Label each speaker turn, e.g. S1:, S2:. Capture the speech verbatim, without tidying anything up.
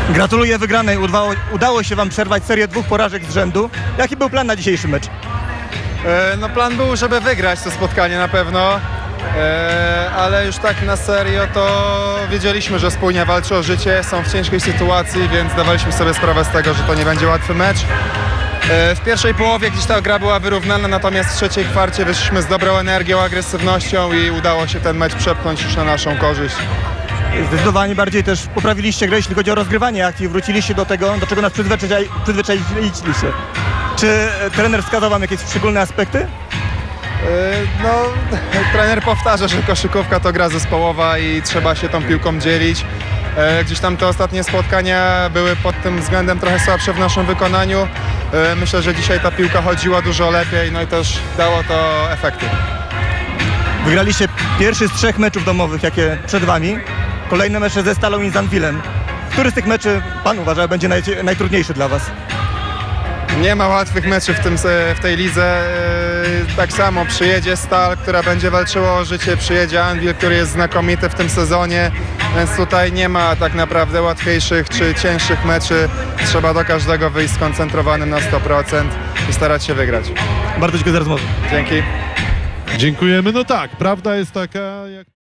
S1: Gratuluję wygranej. Udało, udało się wam przerwać serię dwóch porażek z rzędu. Jaki był plan na dzisiejszy mecz?
S2: E, No plan był, żeby wygrać to spotkanie na pewno, e, ale już tak na serio to wiedzieliśmy, że spójnie walczy o życie, są w ciężkiej sytuacji, więc dawaliśmy sobie sprawę z tego, że to nie będzie łatwy mecz. E, W pierwszej połowie gdzieś ta gra była wyrównana, natomiast w trzeciej kwarcie wyszliśmy z dobrą energią, agresywnością i udało się ten mecz przepchnąć już na naszą korzyść.
S1: Zdecydowanie bardziej też poprawiliście grę, jeśli chodzi o rozgrywanie akcji. Wróciliście do tego, do czego nas przyzwyczai, przyzwyczailiście. Czy e, trener wskazał wam jakieś szczególne aspekty?
S2: E, No, trener powtarza, że koszykówka to gra zespołowa i trzeba się tą piłką dzielić. E, Gdzieś tam te ostatnie spotkania były pod tym względem trochę słabsze w naszym wykonaniu. E, Myślę, że dzisiaj ta piłka chodziła dużo lepiej, no i też dało to efekty.
S1: Wygraliście pierwszy z trzech meczów domowych, jakie przed wami. Kolejne mecze ze Stalą i z Anwilem. Który z tych meczy pan uważa będzie naj, najtrudniejszy dla was?
S2: Nie ma łatwych meczów w, tym, se- w tej lidze. E, Tak samo przyjedzie Stal, która będzie walczyła o życie, przyjedzie Anwil, który jest znakomity w tym sezonie, więc tutaj nie ma tak naprawdę łatwiejszych czy cięższych meczy. Trzeba do każdego wyjść skoncentrowanym na sto procent i starać się wygrać.
S1: Bardzo dziękuję za rozmowę.
S2: Dzięki.
S3: Dziękujemy. No tak, prawda jest taka, jak